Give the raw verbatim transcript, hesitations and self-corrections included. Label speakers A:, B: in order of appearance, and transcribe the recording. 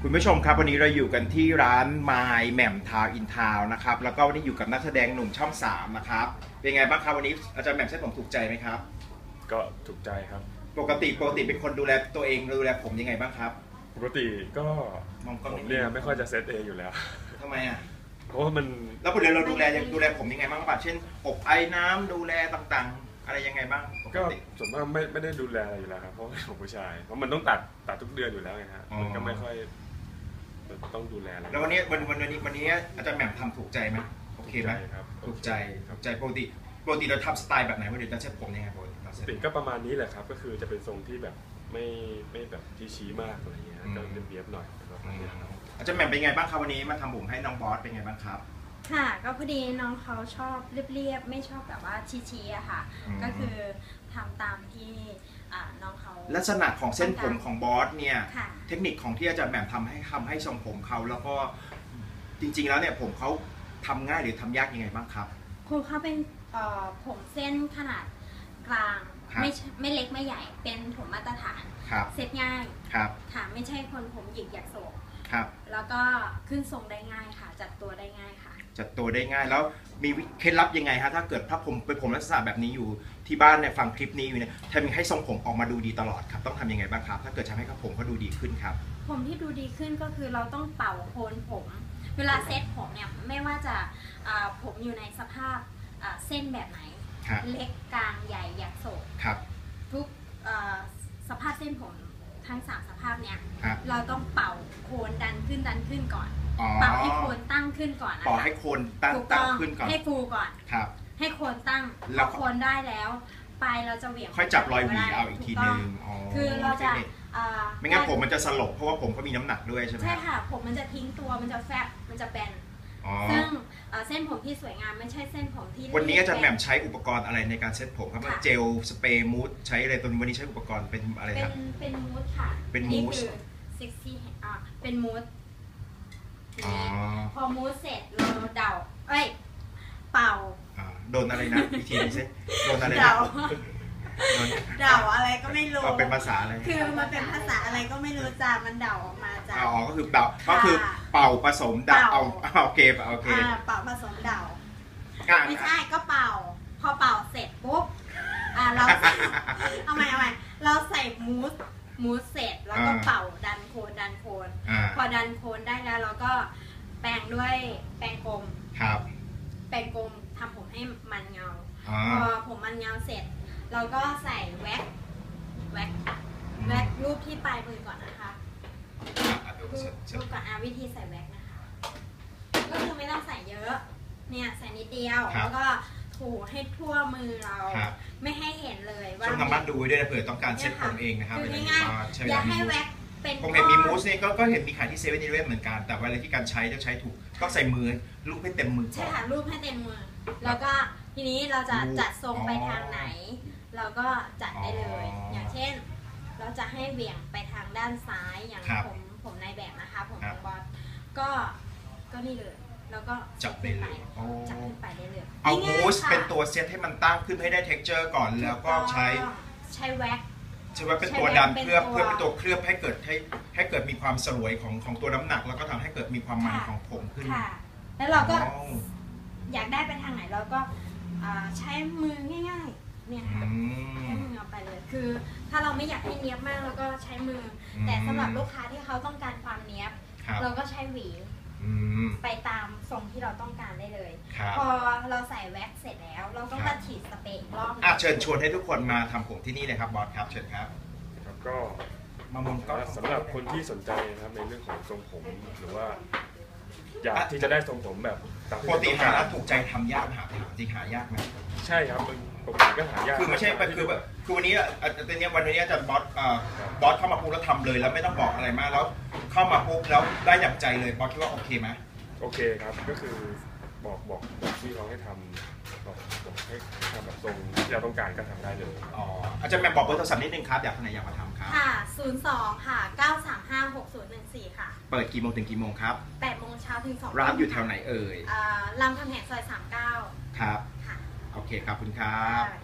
A: คุณผู้ชมครับวันนี้เราอยู่กันที่ร้านไมล์แหม่มทาวอินทาวนะครับแล้วก็วันนี้อยู่กับนักแสดงหนุ่มช่องสามนะครับเป็นไงบ้างครับวันนี้อาจารย์แหม่มเส้นผมถูกใจไหมครับ
B: ก็ถูกใจครับ
A: ปกติปกติเป็นคนดูแลตัวเองดูแลผมยังไงบ้างครับ
B: ปกติก็ผมเนี่ยไม่ค่อยจะเซตเองอยู่แล้ว
A: ทำไมอ่ะ
B: เพราะว่ามัน
A: แล้วปกติเราดูแลดูแลผมยังไงบ้างครับเช่นอบไอ้น้ำดูแลต่างๆอะไรยังไงบ้าง
B: ก็ส่วนมากไม่ไม่ได้ดูแลอะไรอยู่แล้วครับเพราะว่าผมผู้ชายเพราะมันต้องตัดตัดทุกเดือนอยู่แล้วไงฮะมันก็ไม่ค่อยต้องดูแลอะไร
A: แล้ววันนี้วันวันนี้วันนี้อาจารย์แหม่มทำถูกใจไหมโอเคไหม
B: ครับ
A: ถูกใจถูกใจปกติปกติเราทำสไตล์แบบไหนวันนี้เราเซ็ตผมยังไงปกติ
B: ปกติก็ประมาณนี้แหละครับก็คือจะเป็นทรงที่แบบไม่ไม่แบบที่ชี้มากอะไรเงี้ยก็เรียบๆหน่อย
A: อาจารย์แหม่มเป็นไงบ้างครับวันนี้มาทำผมให้น้องบอสเป็นไงบ้างครับ
C: ค่ะก็พอดีน้องเขาชอบเรียบๆไม่ชอบแบบว่าชี้ๆอะค่ะก็คือทำตามที่น้องเขา
A: ลักษณะของเส้นผมของบอสเนี่ยเทคนิคของที่อาจารย์แหม่มทำให้ทำให้ทรงผมเขาแล้วก็จริงๆแล้วเนี่ยผมเขาทำง่ายหรือทำยากยังไงบ้างครับ
C: คุณเขาเป็นผมเส้นขนาดกลางไม่ไม่เล็กไม่ใหญ่เป็นผมมาตรฐานเซ็ตง่ายค่ะไม่ใช่คนผมหยิกอยากโศกแล้วก็ขึ้นทรงได้ง่ายค่ะจัดตัวได้ง่ายค่ะ
A: จัดตัวได้ง่ายแล้วมีเคล็ดลับยังไงฮะถ้าเกิดถ้าผมเป็นผมลักษณะแบบนี้อยู่ที่บ้านเนี่ยฟังคลิปนี้อยู่เนี่ยทำให้ทรงผมออกมาดูดีตลอดครับต้องทำยังไงบ้างครับถ้าเกิดทำให้ผมเขาดูดีขึ้นครับ
C: ผมที่ดูดีขึ้นก็คือเราต้องเป่าโคนผมเวลาเซ็ตผมเนี่ยไม่ว่าจะผมอยู่ในสภาพเส้นแบบไหนเล็กกลางใหญ่อยากโศกทุกสภาพเส้นผมทั้งสามสภาพเนี่ยเราต้องเป่าโคนดันขึ้นดันขึ้นก่อนเป่าให้โคนตั้งขึ้นก่อนนะคะ
A: เป่าให้โคนตั้งตั้งขึ้นก่อน
C: ให้ฟูก่อน
A: ครับ
C: ให้โคนตั้งพอโคนได้แล้วปลายเราจะเหวี่ยง
A: ค่อยจับรอยหวีเอาอีกทีนึง
C: คือเราจะ
A: ไม่งั้นผมมันจะสลบเพราะว่าผมเขามีน้ำหนักด้วยใช่ไหม
C: ใช่ค่ะผมมันจะทิ้งตัวมันจะแฟบมันจะแบนซึ่งเส้นผมที่สวยงามไม่ใช่เส้นผมที่
A: วันนี้อาจารย์แหม่มใช้อุปกรณ์อะไรในการเซ็ตผมครับเจลสเปรย์มูสใช้อะไรตัววันนี้ใช้อุปกรณ์เป็นอะไรครับ
C: เป็นเป็นมูสค่ะ
A: เป็นมูส
C: เซ็กซี่อ่ะเป็นมูสพอมูสเสร็จเราเดาเอ้ยเป่า
A: โดนอะไรนะอีกทีนึงสิโดนอะไร
C: เดาเดาอะไรก็ไม่รู้
A: เป็นภาษาอะไร
C: คือมันเป็นภาษาอะไรก็ไม่รู้จ้ามันเดาออกมาจ้า
A: อ๋อก็คือเดาก็คือเป่าผสมเดาเอาโอเคโอเค
C: เป่าผสมเดาไม่ใช่ก็เป่าพอเป่าเสร็จปุ๊บอ่าเราเอาใหม่เอาใหม่เราใส่มูสมูสเสร็จแล้วก็เป่าดันโคนดันโคนพอดันโคนได้แล้วเราก็แปรงด้วยแปรงกลม
A: ครับ
C: แปรงกลมทำผมให้มันเงาพอผมมันเงาเสร็จเราก็ใส่แว็กแว็กแว็กรูปที่ปลายมือก่อนนะคะรูปก่อนอาวิธีใส่แว็กนะคะก็คือไม่ต้องใส่เยอะเนี่ยใส่นิดเดียวแล้วก็ถูให้ทั่วมือเราไม่ให้เห็นเลยว่า
A: ช่วงทำบ้านดูด้วยนะเผื่อต้องการเซ็ตผมเองนะครับ
C: คือง่ายๆอย่าให้แว็กเป็น
A: ผมเห็นมีมูสเนี่ยก็เห็นมีขายที่เซเว่นอีเลฟเว่นเหมือนกันแต่เวลาที่การใช้ต้องใช้ถูกต้องใส่มือรูปให้เต็มมือ
C: ใช่ค่ะรูปให้เต็มมือแล้วก็ทีนี้เราจะจัดทรงไปทางไหนเราก็จัดได้เลยอย่างเช่นเราจะให้เหวี่ยงไปทางด้านซ้ายอย่างผมผมในแบบนะคะผมของบอสก็ก็นี่เลยแล้วก็
A: จับไปเลย
C: จับขึ้นไปได้เลย
A: เอามูสเป็นตัวเซตให้มันตั้งขึ้นให้ได้ texture ก่อนแล้วก็ใช้
C: ใช้แว็ก
A: ใช้แว็กเป็นตัวดันเพื่อเพื่อเป็นตัวเคลือบให้เกิดให้ให้เกิดมีความสลวยของของตัวน้ำหนักแล้วก็ทำให้เกิดมีความมันของผมขึ้น
C: แล้วเราก็อยากได้ไปทางไหนเราก็ใช้มือง่ายๆเนี่ยค่ะใช้มือเอาไปเลยคือถ้าเราไม่อยากให้เนียบมากเราก็ใช้มือแต่สำหรับลูกค้าที่เขาต้องการความเนียบเราก็ใช้หวีไปตามทรงที่เราต้องการได้เลยพอเราใส่แว็กเสร็จแล้วเราต้องมาฉีดสเปรย์อีกรอบ
A: อ่ะเชิญชวนให้ทุกคนมาทำผมที่นี่เลยครับบอสครับเชิญครับ
B: แล้วก็มามองก็สำหรับคนที่สนใจนะครับในเรื่องของทรงผมหรือว่าอยากที่จะได้ทรงผมแบบ
A: ปกติหาแล้วถูกใจทำยากหาจริงหายากไหม
B: ใช่ครับปกติก็หายาก
A: คือไม่ใช่คือแบบคือวันนี้ตอนนี้วันนี้จะบอสบอสเข้ามาปุ๊บแล้วทำเลยแล้วไม่ต้องบอกอะไรมากแล้วเข้ามาปุ๊บแล้วได้อย่างใจเลยบอสคิดว่าโอเคไหม
B: โอเคครับก็คือบอกบอกบอกที่เขาให้ทำบอกบอกให้ทำแบบทรงที่เราต้องการก็ทำได้เลย
A: อ๋ออาจารย์แม่บอกเบอร์โทรศัพท์นิดนึงครับอยากคนไหนอยากมาทำครับ
C: ค่ะศูนย์สองค่ะเก้าสามห้าหกศูนย์หนึ่งสี่ค่ะ
A: เปิดกี่โมงถึงกี่โมงครับ
C: แปดโมงเช้าถึงสอง
A: ร้านอยู่แถวไหนเอ่ย
C: รามคำแหงซอยสามเก้า
A: ครับโอเคครับคุณครับ